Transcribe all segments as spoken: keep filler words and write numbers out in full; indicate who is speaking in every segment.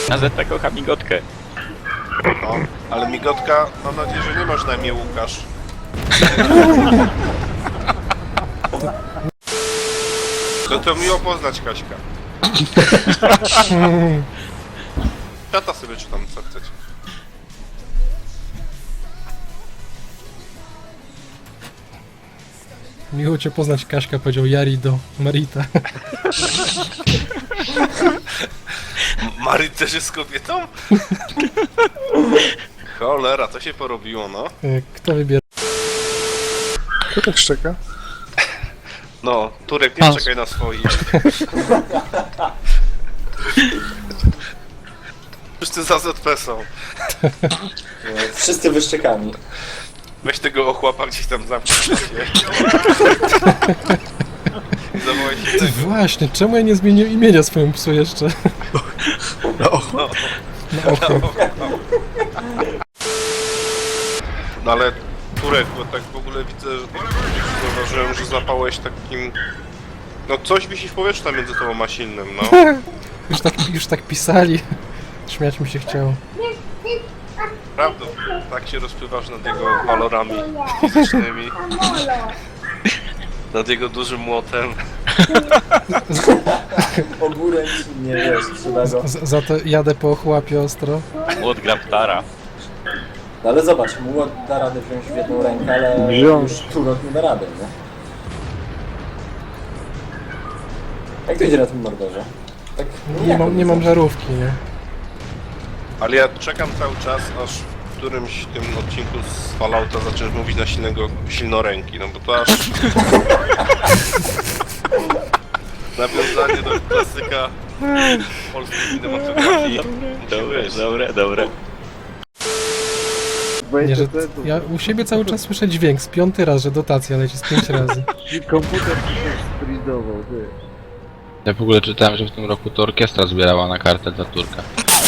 Speaker 1: A Zeta kocha migotkę.
Speaker 2: No, ale migotka, mam nadzieję, że nie masz na imię Łukasz. No to miło poznać Kaśka. Tata sobie czytam, co chcecie.
Speaker 3: Miło cię poznać, Kaśka, powiedział Jari do Marita.
Speaker 2: Maryt też jest kobietą? Cholera, to się porobiło, no.
Speaker 3: Kto wybiera?
Speaker 4: Kto tak szczeka?
Speaker 2: No, Turek, nie czekaj na swoich. Wszyscy za Z P są.
Speaker 5: Wszyscy wyszczekani.
Speaker 2: Weź tego ochłapa gdzieś tam zamknij się. Zawołaj się
Speaker 3: Ty
Speaker 2: tego.
Speaker 3: właśnie, czemu ja nie zmieniłem imienia swojemu psu jeszcze?
Speaker 4: No, och,
Speaker 2: No,
Speaker 3: Na oko.
Speaker 2: no ale Turek, bo tak w ogóle widzę, że zauważyłem, że zapałeś takim... No coś wisi w powietrzu tam między tobą a silnym, no.
Speaker 3: Już tak, już tak pisali. Śmiać mi się chciało.
Speaker 2: Prawda, tak się rozpływasz nad jego walorami fizycznymi. Nad jego dużym młotem.
Speaker 5: Ogórek nie wiesz, trzeba go.
Speaker 3: Z, za to jadę po ochłapie ostro.
Speaker 1: Młot Graptara.
Speaker 5: No ale zobacz, młot da radę wziąć w jedną rękę, ale
Speaker 4: Wziąć.
Speaker 5: już turok nie da rady, nie? Jak to idzie na tym mordorze? Tak
Speaker 3: Nie mam, nie mam żarówki, nie?
Speaker 2: Ale ja czekam cały czas, aż w którymś tym odcinku z Fallouta zaczniesz mówić na silnego, silnoręki, no bo to aż... Nawiązanie do klasyka polskiej kinematografii.
Speaker 1: Dobre, dobre, dobre.
Speaker 3: Nie, że ja u siebie cały czas słyszę dźwięk, z piąty raz, że dotacja leci z pięć razy.
Speaker 4: komputer się spridował, ty.
Speaker 6: Ja w ogóle czytałem, że w tym roku to orkiestra zbierała na kartę dla Turka.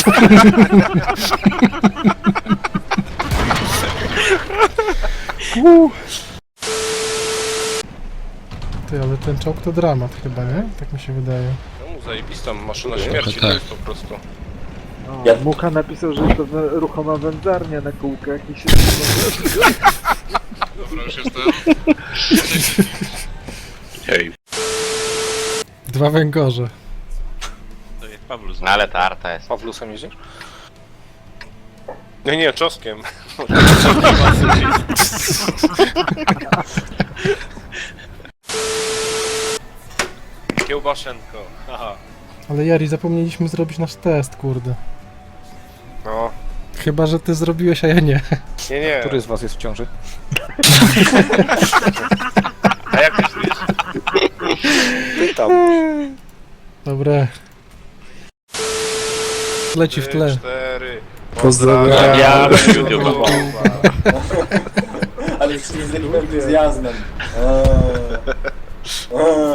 Speaker 3: Ty, ale ten czołg to dramat chyba, nie? Tak mi się wydaje.
Speaker 2: No, zajebista maszyna śmierci to
Speaker 6: tak.
Speaker 2: jest po prostu.
Speaker 4: No,
Speaker 5: Ja-
Speaker 4: Mucha napisał, że to we- ruchoma wędzarnia na kółkach i się...
Speaker 2: Dobra, już jestem.
Speaker 1: Hej.
Speaker 3: Dwa węgorze.
Speaker 1: To jest Pawlus.
Speaker 6: No ale ta arta jest.
Speaker 2: Pawlusem jedziesz? Nie, nie, czoskiem. Kiełbaszenko, haha.
Speaker 3: Ale Jari, zapomnieliśmy zrobić nasz test, kurde.
Speaker 2: No,
Speaker 3: Chyba, że ty zrobiłeś, a ja nie.
Speaker 2: nie, nie.
Speaker 7: Który z was jest w ciąży?
Speaker 2: A jak myślisz?
Speaker 7: Pytam.
Speaker 3: Dobre. Leci w
Speaker 2: Trzy,
Speaker 3: tle.
Speaker 2: cztery.
Speaker 4: Pozdrawiam.
Speaker 1: Ja YouTube.
Speaker 5: Ale wszyscy z takim entuzjazmem. Eee. Eee.